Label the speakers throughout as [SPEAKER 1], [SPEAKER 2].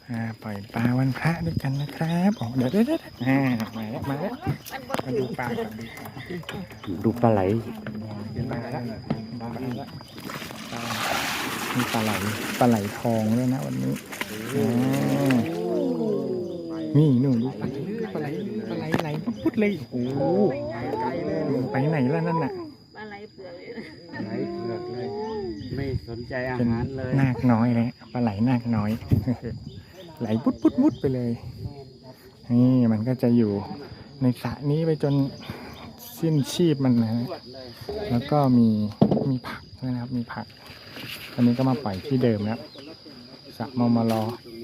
[SPEAKER 1] ปล่อยปลาวันพระด้วยกันนะครับอ๋อเดี๋ยวมาแล้วมาดูปลาก่อน
[SPEAKER 2] ดูปลาไหล
[SPEAKER 1] มาแล้วมีปลาไหลทองด้วยนะวันนี้นี่หนูดูปลาไหลพุดเลยโอ้ไปไหนแล้วนั่นน่ะ
[SPEAKER 3] ปลาไหลเผือกเลย
[SPEAKER 2] ไหลเผือกเลยไม่สนใจอาหารเลย
[SPEAKER 1] นาคน้อยเลยปลาไหลนาคน้อยไหลพุดไปเลยนี่มันก็จะอยู่ในสระนี้ไปจนสิ้นชีพมันนะแล้วก็มีผักด้วยนะครับมีผักอันนี้ก็มาปล่อยที่เดิมแล้วสระมมร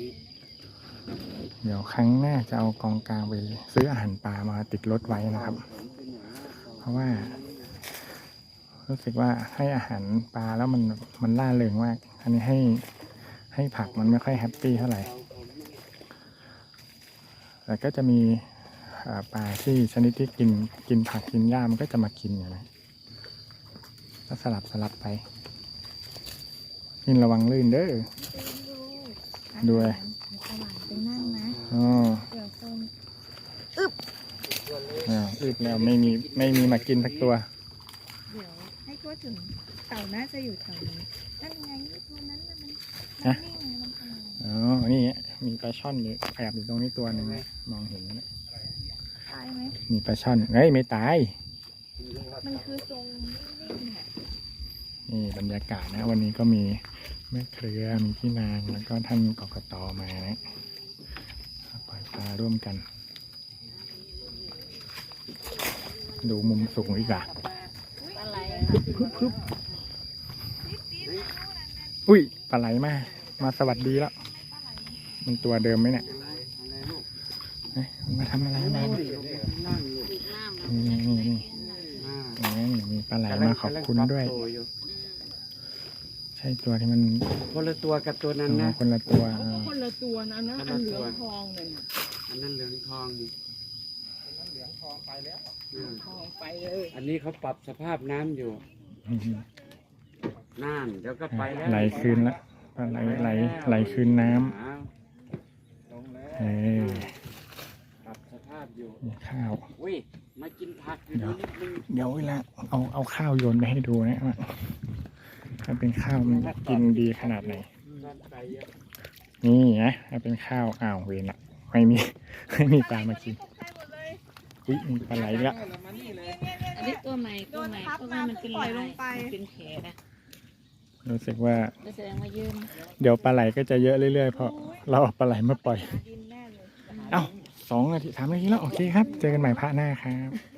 [SPEAKER 1] เดี๋ยวครั้งหน้าจะเอากองกลางไปซื้ออาหารปลามาติดรถไว้นะครับ เพราะว่ารู้สึกว่าให้อาหารปลาแล้วมันล่าเริงมากอันนี้ให้ผักมันไม่ค่อยแฮปปี้เท่าไหร่แต่ก็จะมีปลาที่ชนิดที่กินผักกินหญ้ามันก็จะมากินอย่างนี้ก็สลับไปนี่ระวังลื่นเด้อด้วย
[SPEAKER 3] ไปนั่งนะเดี๋ยวส้มอึบ
[SPEAKER 1] แล้วไม่มีมากินสักตัว
[SPEAKER 3] เดี๋ยวให้ทั่วถึงเต่าน่าจะอยู่แถวนี้นั่นไงตัวนั้นมันนิ่งมันทำ
[SPEAKER 1] นี่มีปลาช่อนอยู่แอบอยู่ตรงนี้ตัวหนึ่งมองเห็นนะ
[SPEAKER 3] ตายไหม
[SPEAKER 1] มีปลาช่อนไม่ตาย
[SPEAKER 3] มันคือทรงนิ่งๆ
[SPEAKER 1] นี่บรรยากาศนะวันนี้ก็มีแม่เครือมีพี่นางแล้วก็ท่านกกต.มานะปล่อยปลาร่วมกันดูมุมสูงอีกอ่ะอุ้ยปลาไหลมาสวัสดีแล้วมันตัวเดิมไหมเนี่ยมาทำอะไรมานี่มีปลาไหลมาขอบคุณด้วยใช่ตัวที่มัน
[SPEAKER 2] คนละตัวกับตัวนั้นนะ
[SPEAKER 1] คนละตัว
[SPEAKER 3] คนละตัวนะอันเหลืองทองเลย
[SPEAKER 2] อันนั้นเหลืองทอง
[SPEAKER 3] เหลืองทองไปแล้วทองไปเลย
[SPEAKER 2] อันนี้เขาปรับสภาพน้ำอยู่น่านเดี๋ยวก็ไปแล้ว
[SPEAKER 1] ไหลคืนแล้วปลาไหลคืนน้ำ
[SPEAKER 2] ปรับสภาพอยู่
[SPEAKER 1] ข้าว
[SPEAKER 2] มากินผักอยู่นิดนึง
[SPEAKER 1] เดี๋ยวเวลาเอาข้าวโยนไปให้ดูนะถ้าเป็นข้าวมันกินดีขนาดไหนนี่นะถ้าเป็นข้าวเวรละไม่มีปลามากินมีปลาไหลแล้ว
[SPEAKER 3] อันนี้ตัวใหม่เพราะว่ามันเป็นลงไปเป็นแผลนะ
[SPEAKER 1] รู้สึกว่า
[SPEAKER 3] แสดงว่ายืม
[SPEAKER 1] เดี๋ยวปลาไหลก็จะเยอะเรื่อยๆเพราะเราเอาปลาไหลมาปล่อย2 นาที3 นาทีแล้วโอเคครับเจอกันใหม่พระหน้าครับ